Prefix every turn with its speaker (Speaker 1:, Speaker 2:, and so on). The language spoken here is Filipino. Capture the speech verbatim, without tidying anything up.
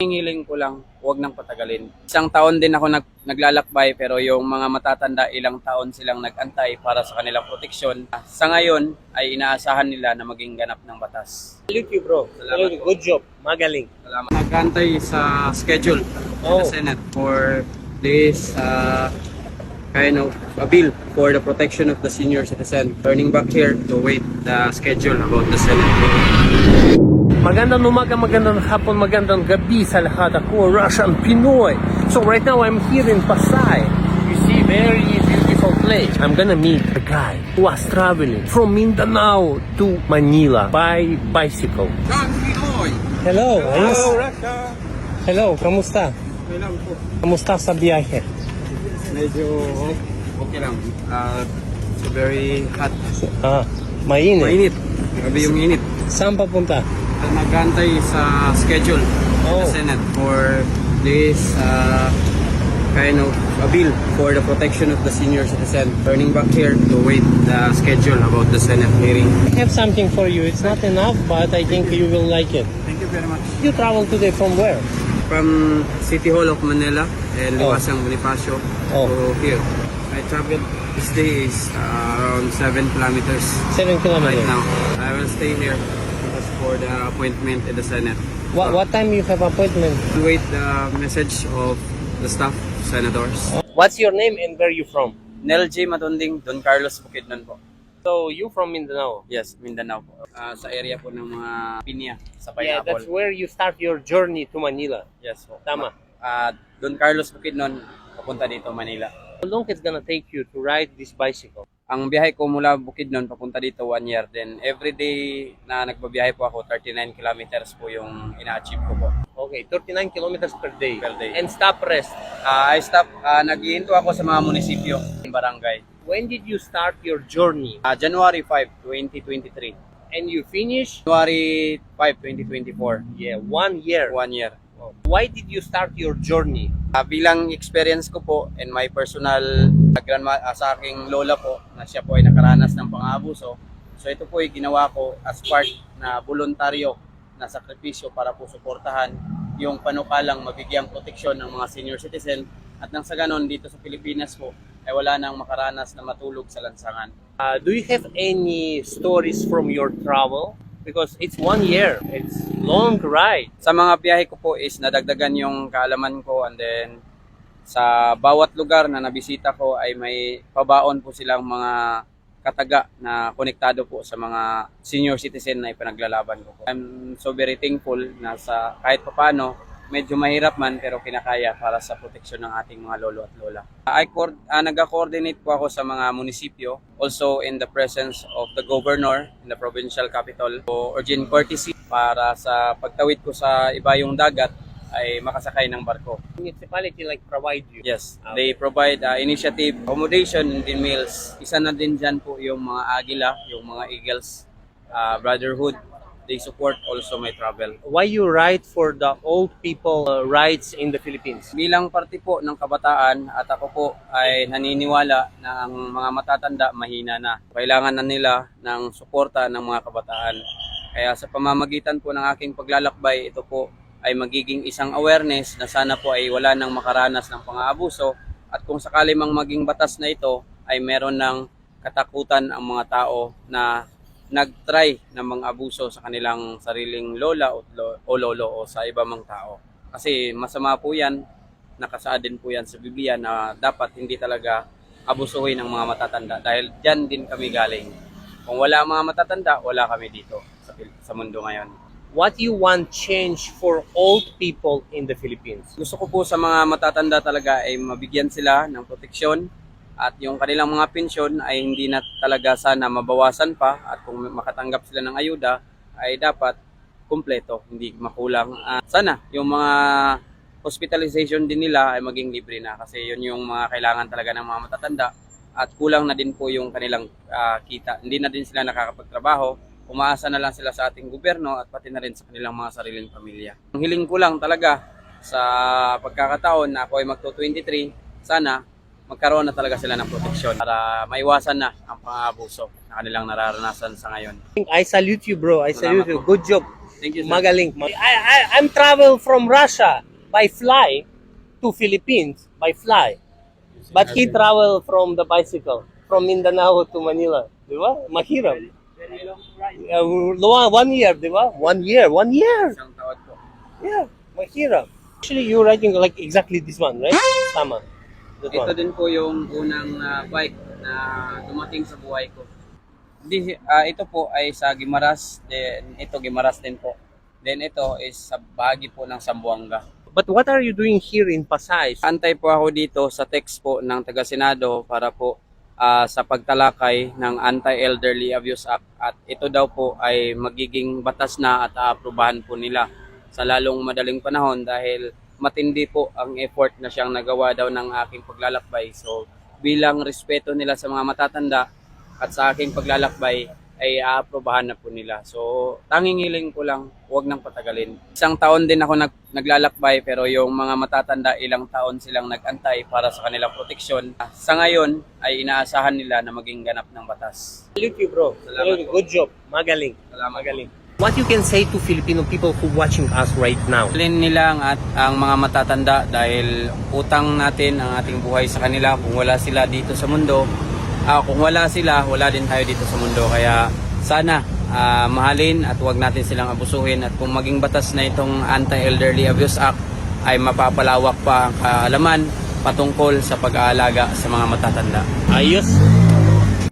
Speaker 1: Hiling ko lang, huwag nang patagalin. Isang taon din ako nag, naglalakbay pero yung mga matatanda ilang taon silang nag-antay para sa kanilang proteksyon. Sa ngayon ay inaasahan nila na maging ganap ng batas.
Speaker 2: Salute you, bro.
Speaker 1: Salamat
Speaker 2: Salute you. Good job. Magaling.
Speaker 1: Salamat. Nag-antay sa schedule
Speaker 2: Oh.
Speaker 1: sa Senate for this uh, kind of a bill for the protection of the senior citizen. Turning back here to wait the schedule about the Senate.
Speaker 2: Magandang umaga, magandang hapon, magandang gabi sa lahat. Ako, Russian Pinoy. So right now, I'm here in Pasay. You see, very beautiful place. I'm gonna meet a guy who was traveling from Mindanao to Manila by bicycle. Hello. Hello,
Speaker 1: Russia!
Speaker 2: Hello, kamusta?
Speaker 1: Okay lang po.
Speaker 2: Kamusta sa biyahe?
Speaker 1: Medyo okay lang. Uh, it's very hot.
Speaker 2: Ah, mainit.
Speaker 1: Mainit. Grabe yung init.
Speaker 2: Saan papunta?
Speaker 1: Nagantay sa schedule
Speaker 2: Oh.
Speaker 1: sa Senate for this uh, kind of a bill for the protection of the senior citizen. Turning back here to wait the schedule about the Senate hearing.
Speaker 2: I have something for you. It's not enough, but I think you will like it.
Speaker 1: Thank you very much.
Speaker 2: You travel today from where?
Speaker 1: From City Hall of Manila and
Speaker 2: Oh.
Speaker 1: Liwasang Bonifacio
Speaker 2: Oh.
Speaker 1: to here. I traveled this day is uh, around seven kilometers
Speaker 2: Seven
Speaker 1: right
Speaker 2: kilometers.
Speaker 1: now. I will stay here as for the appointment in the Senate.
Speaker 2: What, what time you have appointment?
Speaker 1: To wait the message of the staff, senators.
Speaker 2: What's your name and where you from?
Speaker 1: Nel J. Matunding, Don Carlos Bukidnon po.
Speaker 2: So you from Mindanao?
Speaker 1: Yes, Mindanao po. Ah, sa area po ng mga pinya, sa
Speaker 2: Yeah,
Speaker 1: pineapple.
Speaker 2: that's where you start your journey to Manila.
Speaker 1: Yes po.
Speaker 2: Tama.
Speaker 1: Ah, Don Carlos Bukidnon, papunta dito Manila.
Speaker 2: How long it's gonna take you to ride this bicycle?
Speaker 1: Ang biyahe ko mula Bukidnon papunta dito one year. Then every day na nagbabiyahe po ako, thirty-nine kilometers po yung ina-achieve ko po.
Speaker 2: Okay, thirty-nine kilometers per day.
Speaker 1: Per day.
Speaker 2: And stop rest.
Speaker 1: Ah, I stop, ah, nag-iinto ako sa mga munisipyo, barangay.
Speaker 2: When did you start your journey?
Speaker 1: Ah, January fifth, twenty twenty-three.
Speaker 2: And you finish?
Speaker 1: January fifth, twenty twenty-four.
Speaker 2: Yeah, one year.
Speaker 1: One year.
Speaker 2: Why did you start your journey?
Speaker 1: Uh, bilang experience ko po and my personal uh, grandma, uh, sa aking lola po na siya po ay nakaranas ng pang-aabuso. So ito po ay ginawa ko as part na voluntaryo na sakripisyo para po suportahan yung panukalang mabigyang proteksyon ng mga senior citizen at nang sa ganon dito sa Pilipinas po ay wala nang makaranas na matulog sa lansangan.
Speaker 2: Uh, do you have any stories from your travel? Because it's one year. It's long ride.
Speaker 1: Sa mga biyahe ko po is nadagdagan yung kaalaman ko and then sa bawat lugar na nabisita ko ay may pabaon po silang mga kataga na konektado po sa mga senior citizen na ipanaglalaban ko po. I'm so very thankful na sa kahit papano medyo mahirap man pero kinakaya para sa proteksyon ng ating mga lolo at lola. I co- uh, nag-coordinate po ako sa mga munisipyo, also in the presence of the governor in the provincial capital, o urgent courtesy para sa pagtawid ko sa iba yung dagat ay makasakay ng barko.
Speaker 2: Municipality like provide you.
Speaker 1: Yes,
Speaker 2: Okay.
Speaker 1: they provide uh, initiative, accommodation, and then meals. Isa na din dyan po yung mga Agila, yung mga Eagles, uh, Brotherhood. They support also my travel.
Speaker 2: Why you ride for the old people uh, rights in the Philippines?
Speaker 1: Bilang parte po ng kabataan at ako po ay naniniwala na ang mga matatanda mahina na. Kailangan na nila ng suporta ng mga kabataan. Kaya sa pamamagitan po ng aking paglalakbay, ito po ay magiging isang awareness na sana po ay wala nang makaranas ng pang-aabuso at kung sakali mang maging batas na ito ay meron ng katakutan ang mga tao na nag-try na mang-abuso sa kanilang sariling lola o, o lolo o sa iba mang tao. Kasi masama po yan, nakasaad din po yan sa Biblia na dapat hindi talaga abusuhin ng mga matatanda dahil dyan din kami galing. Kung wala ang mga matatanda, wala kami dito sa, sa mundo ngayon.
Speaker 2: What you want change for old people in the Philippines?
Speaker 1: Gusto ko po sa mga matatanda talaga ay mabigyan sila ng proteksyon at yung kanilang mga pensyon ay hindi na talaga sana mabawasan pa at kung makatanggap sila ng ayuda ay dapat kumpleto, hindi makulang. Uh, sana yung mga hospitalization din nila ay maging libre na kasi yun yung mga kailangan talaga ng mga matatanda at kulang na din po yung kanilang uh, kita. Hindi na din sila nakakapagtrabaho, umaasa na lang sila sa ating gobyerno at pati na rin sa kanilang mga sariling pamilya. Ang hiling ko lang talaga sa pagkakataon na ako ay magto twenty-three, sana magkaroon na talaga sila ng proteksyon para maiwasan na ang pang-aabuso na kanilang nararanasan sa ngayon.
Speaker 2: I salute you, bro. I salute
Speaker 1: Salamat
Speaker 2: you.
Speaker 1: po.
Speaker 2: Good job.
Speaker 1: Thank you, sir.
Speaker 2: Magaling. I, I, I'm travel from Russia by fly to Philippines by fly. But he travel from the bicycle from Mindanao to Manila. Di ba? Mahirap. Uh, one year, di ba? One year, one year.
Speaker 1: Isang taon po.
Speaker 2: Yeah, mahirap. Actually, you're riding like exactly this one, right? Tama. That
Speaker 1: Ito
Speaker 2: one.
Speaker 1: din po yung unang ah, bike na dumating sa buhay ko. Di, ah, ito po ay sa Guimaras, then ito Guimaras din po. Then ito is sa bahagi po ng Zamboanga.
Speaker 2: But what are you doing here in Pasay?
Speaker 1: Antay po ako dito sa text po ng taga-Senado para po ah, sa pagtalakay ng Anti-Elderly Abuse Act at ito daw po ay magiging batas na at aaprubahan po nila sa lalong madaling panahon dahil matindi po ang effort na siyang nagawa daw ng aking paglalakbay. So bilang respeto nila sa mga matatanda at sa aking paglalakbay ay aaprubahan na po nila. So tanging hiling ko lang, huwag nang patagalin. Isang taon din ako nag, naglalakbay pero yung mga matatanda ilang taon silang nag-antay para sa kanilang proteksyon. Sa ngayon ay inaasahan nila na maging ganap ng batas.
Speaker 2: Salute you, bro.
Speaker 1: Salamat
Speaker 2: Salute you.
Speaker 1: po.
Speaker 2: Good job. Magaling.
Speaker 1: Salamat.
Speaker 2: Magaling. What you can say to Filipino people who watching us right now?
Speaker 1: Alin nila ang, at, ang mga matatanda dahil utang natin ang ating buhay sa kanila. Kung wala sila dito sa mundo, ah, kung wala sila, wala din tayo dito sa mundo. Kaya sana ah, mahalin at huwag natin silang abusuhin. At kung maging batas na itong Anti-Elderly Abuse Act ay mapapalawak pa ang kaalaman patungkol sa pag-aalaga sa mga matatanda.
Speaker 2: Ayos.